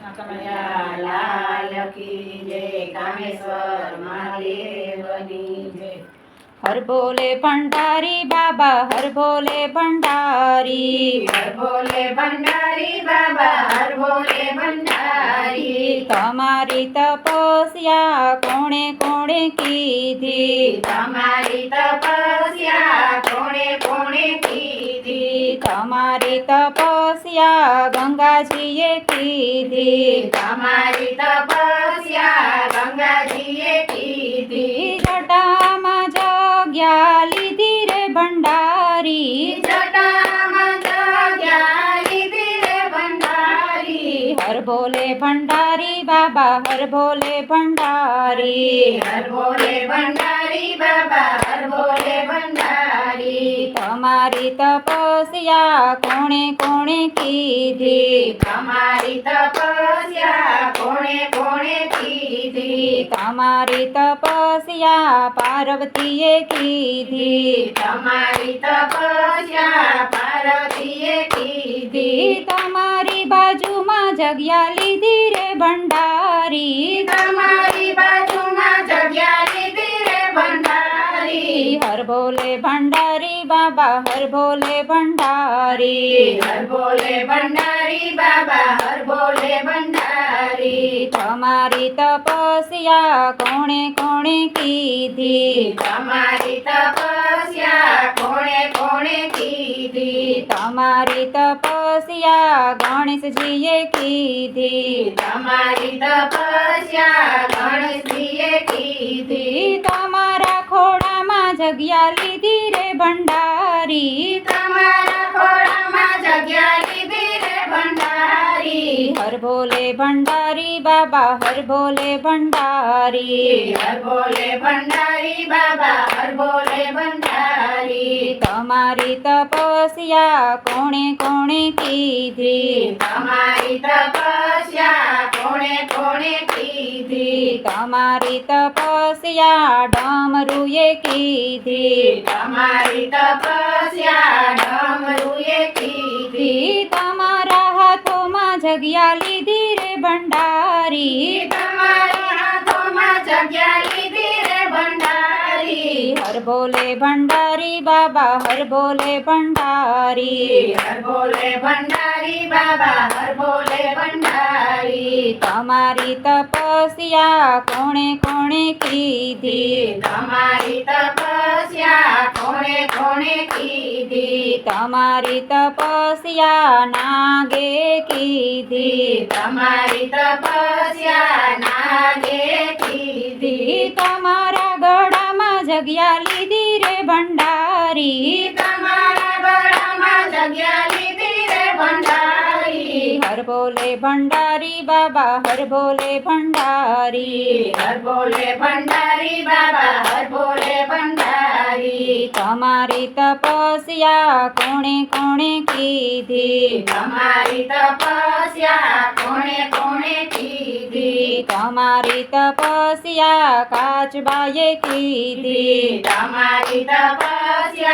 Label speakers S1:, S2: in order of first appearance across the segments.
S1: કનૈયા લાલ કી જય, કામેશ્વર મહાદેવની જય।
S2: हर बोले भंडारी बाबा, हर बोले भंडारी,
S1: हर बोले भंडारी बाबा, हर बोले भंडारी।
S2: तमारी तपस्या कोणे कोणे कीधी,
S1: तमारी तपस्या कोणे कोणे कीधी।
S2: तमारी तपस्या गंगाजीए कीधी,
S1: तमारी तपस्या गंगाजीए कीधी।
S2: जटामां जग्या लीधी रे भंडारी,
S1: जटामां जग्या लीधी रे भंडारी।
S2: हर बोले भंडारी बाबा, हर बोले भंडारी,
S1: हर बोले भंडारी बाबा, हर बोले भंडारी।
S2: तमारी तपस्या कोणे कोणे कीधी,
S1: तमारी तपस्या कोणे कोणे कीधी।
S2: तमारी तपस्या पार्वतीए कीधी,
S1: तमारी तपस्या पार्वतीए कीधी।
S2: तमारी बाजुमां जग्या लीधी रे भंडारी,
S1: तमारी बाजुमां जग्या लीधी रे भंडारी।
S2: हर बोले भंडारी बाबा, हर बोले भंडारी,
S1: हर बोले भंडारी बाबा, हर बोले भंडारी।
S2: तमारी तपस्या कोणे कोणे कीधी,
S1: तमारी तपस्या कोणे कोणे कीधी।
S2: तमारी तपस्या गणेशजीए कीधी,
S1: तमारी तपस्या गणेशजीए कीधी।
S2: तमारा खोडामां जग्या लीधी रे भंडारी,
S1: तमारा खोडामां जग्या लीधी रे भंडारी।
S2: हर बोले भंडारी बाबा, हर बोले भंडारी,
S1: हर बोले भंडारी बाबा, हर बोले भंडारी।
S2: तमारी तपस्या कोणे कोणे कीधी,
S1: तमारी तपस्या कोणे कोणे कीधी।
S2: तमारी तपस्या डमरुए कीधी,
S1: तमारी तपस्या डमरुए कीधी।
S2: तमारा हाथोमां जग्या लीधी रे भंडारी,
S1: तमारा हाथोमां जग्या लीधी रे भंडारी।
S2: हर बोले भंडारी बाबा, हर बोले भंडारी,
S1: हर बोले भंडारी बाबा, हर बोले भंडारी।
S2: तमारी तपस्या कोणे कोणे कीधी,
S1: तमारी तपस्या कोणे कोणे कीधी।
S2: तमारी तपस्या नागे कीधी,
S1: तमारी तपस्या नागे कीधी।
S2: तमारा गळामां जग्या लीधी रे भंडारी,
S1: तमारा गळामां जग्या लीधी रे भंडारी।
S2: हर बोले भंडारी बाबा, हर बोले भंडारी,
S1: हर बोले भंडारी बाबा, हर बोले भंडारी।
S2: तमारी तपस्या कोणे कोणे कीधी,
S1: तमारी तपस्या कोणे कोणे कीधी।
S2: तमारी तपस्या काचबाए कीधी,
S1: तमारी तपस्या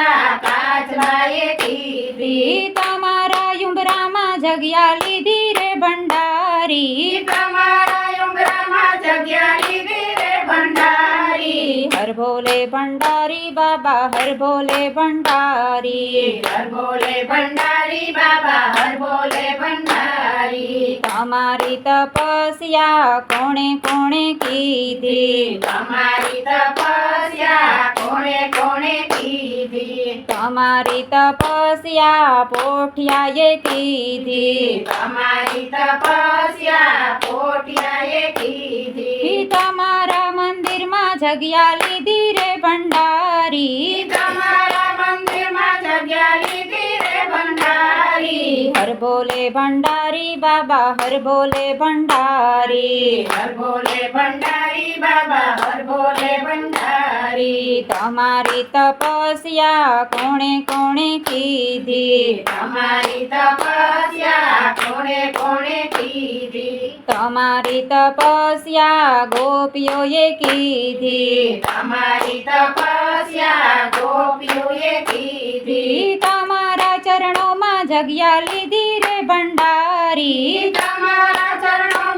S1: काचबाए कीधी।
S2: तमारा युंबरामां जग्या लीधी रे भंडारी,
S1: तमारा युंबरामां जग्या लीधी रे भंडारी।
S2: हर बोले भंडारी बाबा, हर बोले भंडारी,
S1: हर बोले भंडारी बाबा, हर बोले भंडारी।
S2: तमारी तपस्या कोणे कोणे कीधी,
S1: तमारी तपस्या कोणे कोणे कीधी।
S2: तमारी तपस्या पोठियाए कीधी,
S1: तमारी तपस्या पोठियाए कीधी।
S2: तमारा मंदिरमां जग्या लीधी रे भंडारी,
S1: तमारा मंदिरमां जग्या लीधी रे भंडारी।
S2: हर बोले भंडारी बाबा, हर बोले भंडारी,
S1: हर बोले भंडारी बाबा, हर बोले भंडारी।
S2: तमारी तपस्या कोणे कोणे कीधी,
S1: तमारी तपस्या कोणे कोणे कीधी।
S2: तमारी तपस्या गोपीओए कीधी,
S1: तमारी तपस्या गोपीओए कीधी।
S2: तमारा चरणोमां जग्या लीधी रे भंडारी,
S1: तमारा चरणों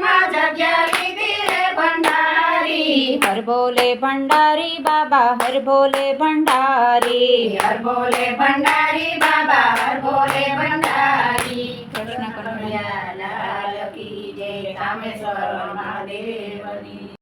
S2: हर बोले भंडारी बाबा हर बोले भंडारी
S1: हर बोले भंडारी बाबा हर बोले भंडारी
S2: कृष्ण कन्हैया
S1: लाल की जय, कामेश्वर महादेवनी।